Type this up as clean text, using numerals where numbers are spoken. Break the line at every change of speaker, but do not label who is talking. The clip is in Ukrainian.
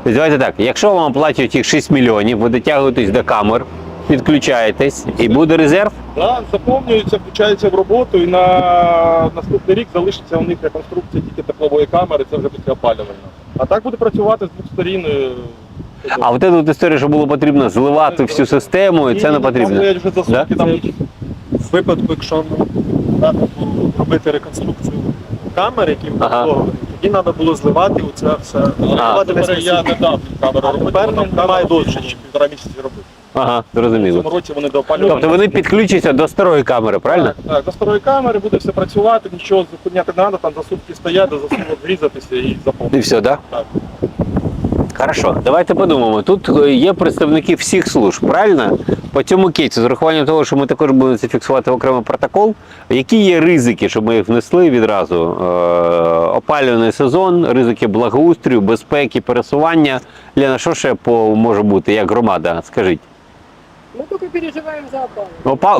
Тобто, давайте так, якщо вам оплачують їх 6 мільйонів, ви дотягуєтесь до камер, підключаєтесь і буде резерв?
Да, заповнюється, включається в роботу і на наступний рік залишиться у них реконструкція тільки теплової камери, це вже після опалювального. А так буде працювати з двох сторін.
А от ця історія, що було потрібно зливати всю систему, і це не потрібно.
Там вже за сутки,
Да?
там
В випадку, якщо треба було робити реконструкцію камер, які встановлені, тоді треба було зливати оце все.
я не дав камеру робити,
тепер
там
немає
камеру
дозволу.
ще 1,5 місяці робити.
Ага,
В цьому
зрозуміло.
році вони до опалювального.
Тобто вони підключаться до старої камери, правильно?
Так, до старої камери буде все працювати, нічого зупиняти не треба, там за сутки стоять, до засувок врізатися і заповнити.
І все, так?
Так.
Хорошо, давайте подумаємо. Тут є представники всіх служб, правильно? По цьому кейсу, з урахуванням того, що ми також будемо це фіксувати в окремий протокол, які є ризики, щоб ми їх внесли відразу? Опалювальний сезон, ризики благоустрою, безпеки, пересування. Лена, що ще може бути, як громада? Скажіть.
Мы только переживаем за опалу.